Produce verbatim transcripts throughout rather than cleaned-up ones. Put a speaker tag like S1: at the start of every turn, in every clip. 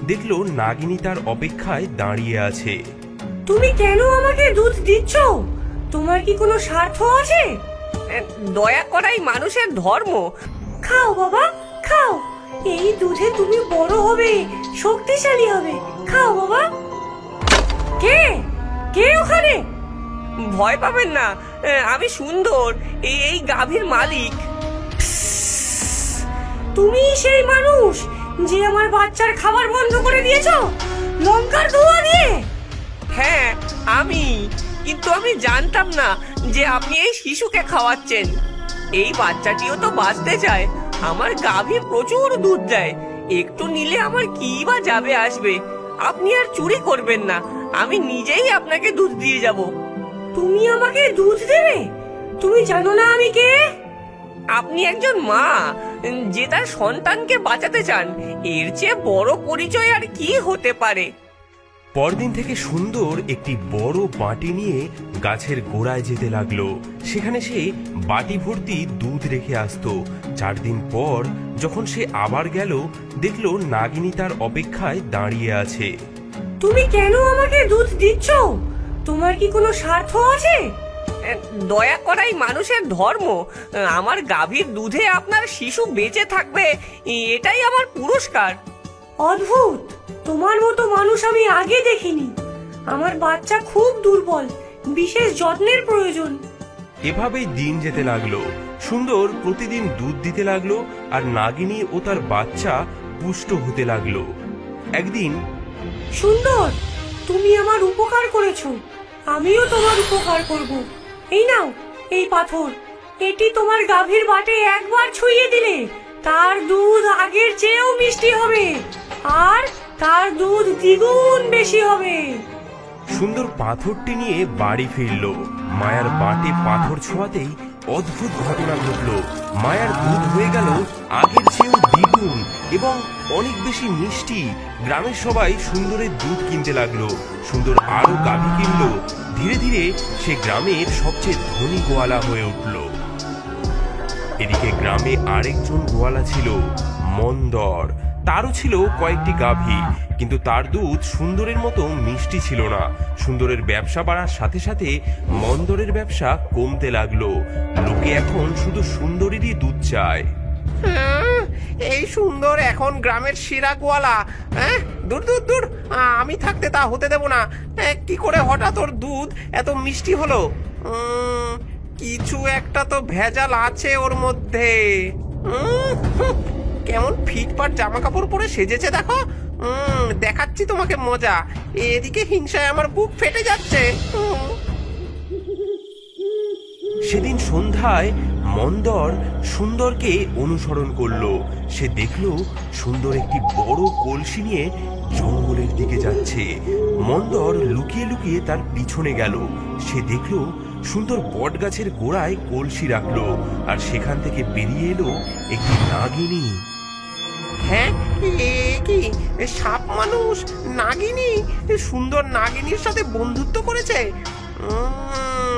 S1: দেখলো নাগিনী তার অপেক্ষায় দাঁড়িয়ে আছে।
S2: তুমি কেন আমাকে দুধ দিচ্ছ? তোমার কি কোনো স্বার্থ আছে?
S3: দয়া করাই মানুষের ধর্ম।
S2: খাও বাবা, খাও। এই দুধে তুমি বড় হবে, শক্তিশালী হবে। খাও বাবা। কে কে ওখানে?
S3: ভয় পাবেন না, আমি সুন্দর, এই গাভীর মালিক।
S2: তুমি সেই মানুষ যে আমার বাচ্চার খাবার বন্ধ করে দিয়েছো লঙ্কার ধোঁয়া দিয়ে?
S3: হ্যাঁ আমি, কিন্তু আমি জানতাম না যে আপনি এই শিশুকে খাওয়াচ্ছেন। এই বাচ্চাটিও তো বাঁচতে চায়। আমার গাভী প্রচুর দুধ দেয়, একটু নিলে আমার কি বা যাবে আসবে। আপনি আর চুরি করবেন না, আমি নিজেই আপনাকে দুধ দিয়ে যাব।
S2: তুমি আমাকে দুধ দেবে? তুমি জানো না আমি কে?
S3: আপনি একজন মা যে তার সন্তানকে বাঁচাতে চান। এর চেয়ে বড় পরিচয় আর কি হতে পারে?
S1: পরদিন থেকে সুন্দর একটি বড় বাটি নিয়ে গাছের গোড়ায় যেতে লাগলো। সেখানে সে বাটি ভর্তি দুধ রেখে আসতো। চার দিন পর যখন সে আবার গেল, দেখলো নাগিনী তার অপেক্ষায় দাঁড়িয়ে আছে।
S2: তুমি কেন আমাকে দুধ দিচ্ছ? তোমার কি কোনো স্বার্থ আছে?
S3: দয়া করাই মানুষের ধর্ম। আমার গাভীর দুধে আপনার শিশু বেঁচে থাকবে, এটাই আমার পুরস্কার।
S2: অদ্ভুত, তোমার মতো মানুষ আমি আগে দেখিনি। আমার বাচ্চা খুব দুর্বল, বিশেষ যত্নের প্রয়োজন।
S1: এভাবেই দিন যেতে লাগলো। সুন্দর প্রতিদিন দুধ দিতে লাগলো, আর নাগিনী ও তার বাচ্চা পুষ্ট হতে লাগলো। একদিন
S2: সুন্দর, তুমি আমার উপকার করেছো, আমিও তোমার উপকার করব। এই নাও এই পাথর, এটি তোমার গাভীর বাটে একবার ছুঁয়ে দিলে তার দুধ আগের চেয়েও মিষ্টি হবে, আর তার দুধ দ্বিগুণ বেশি হবে।
S1: সুন্দর পাথরটি নিয়ে বাড়ি ফিরল। মায়ার বাটে পাথর ছোঁয়াতেই অদ্ভুত ঘটনা ঘটল। মায়ার দুধ হয়ে গেল আগের চেয়েও দ্বিগুণ এবং অনেক বেশি মিষ্টি। গ্রামের সবাই সুন্দরের দুধ কিনতে লাগলো। সুন্দর আরো গাভী কিনলো। ধীরে ধীরে সে গ্রামের সবচেয়ে ধনী গোয়ালা হয়ে উঠল। এদিকে গ্রামে আরেকজন গোয়ালা ছিল, মন্দর। তারও ছিল কয়েকটি গাভী, কিন্তু তার দুধ সুন্দরের মতো মিষ্টি ছিল না। সুন্দরের ব্যবসা বাড়ার সাথে সাথে মন্দরের ব্যবসা কমতে লাগলো। লোকে এখন শুধু সুন্দরেরই দুধ চায়।
S4: এই সুন্দর এখন গ্রামের সেরা গোয়ালা। হ্যাঁ, দূর দূর দূর, আমি থাকতে তা হতে দেব না। কি করে হঠাৎ ওর দুধ এত মিষ্টি হলো? উম, কিছু একটা তো ভেজাল আছে ওর মধ্যে। উম, হুঁ, কেমন ফিটফাট জামা কাপড় পরে সেজেছে দেখো। উম, দেখাচ্ছি তোমাকে মজা। এদিকে হিংসায় আমার বুক ফেটে যাচ্ছে। উম।
S1: সেদিন সন্ধ্যায় মন্দর সুন্দরকে অনুসরণ করলো। সে দেখলো সুন্দর একটি বড় কলসি নিয়ে জঙ্গলের দিকে যাচ্ছে। মন্দর লুকিয়ে লুকিয়ে তার পিছনে গেল। সে দেখলো সুন্দর বট গাছের গোড়ায় কলসি রাখলো, আর সেখান থেকে বেরিয়ে এলো একটি নাগিনী।
S4: হ্যাঁ, এ কি সাপ মানুষ নাগিনী? সুন্দর নাগিনীর সাথে বন্ধুত্ব করেছে। উম,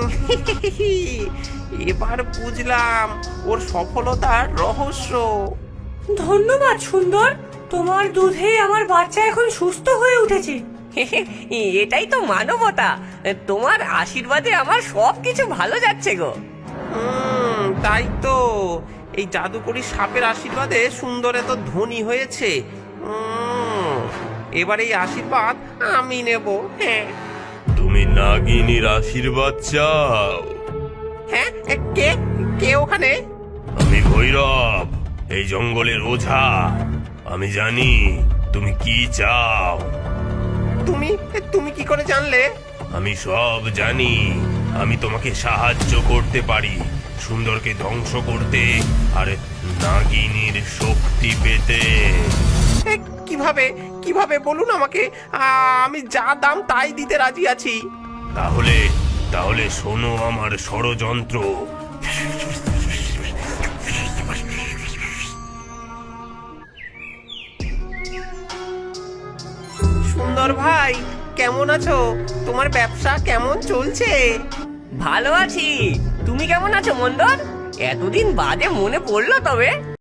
S4: এবার বুঝলাম ওর সফলতার রহস্য।
S2: ধন্যবাদ সুন্দর, তোমার দুধে আমার বাচ্চা এখন সুস্থ হয়ে উঠেছে।
S3: এটাই তো মানবতা। তোমার আশীর্বাদে আমার সব কিছু ভালো যাচ্ছে গো।
S4: হুম, তাই তো এই জাদুকরি সাপের আশীর্বাদে সুন্দর এত ধনী হয়েছে। উম, এবার এই আশীর্বাদ আমি নেব। হ্যাঁ।
S1: তুমি নাগিনীর আশীর্বাদ চাও?
S4: হ্যাঁ, কে কে ওখানে?
S1: আমি ভৈরব, এই জঙ্গলের ওঝা। আমি জানি তুমি কি চাও।
S4: তুমি তুমি কি করে জানলে?
S1: আমি সব জানি। আমি তোমাকে সাহায্য করতে পারি সুন্দরকে ধ্বংস করতে আর নাগিনীর শক্তি পেতে।
S4: এ, কিভাবে কিভাবে বলুন আমাকে। আ- আমি যা দাম তাই দিতে রাজি আছি।
S1: তাহলে তাহলে শোনো আমার ষড়যন্ত্র।
S4: সুন্দর ভাই, কেমন আছো? তোমার ব্যবসা কেমন চলছে?
S3: ভালো আছি। তুমি কেমন আছো মন্দর? এতদিন বাদে মনে পড়লো তবে।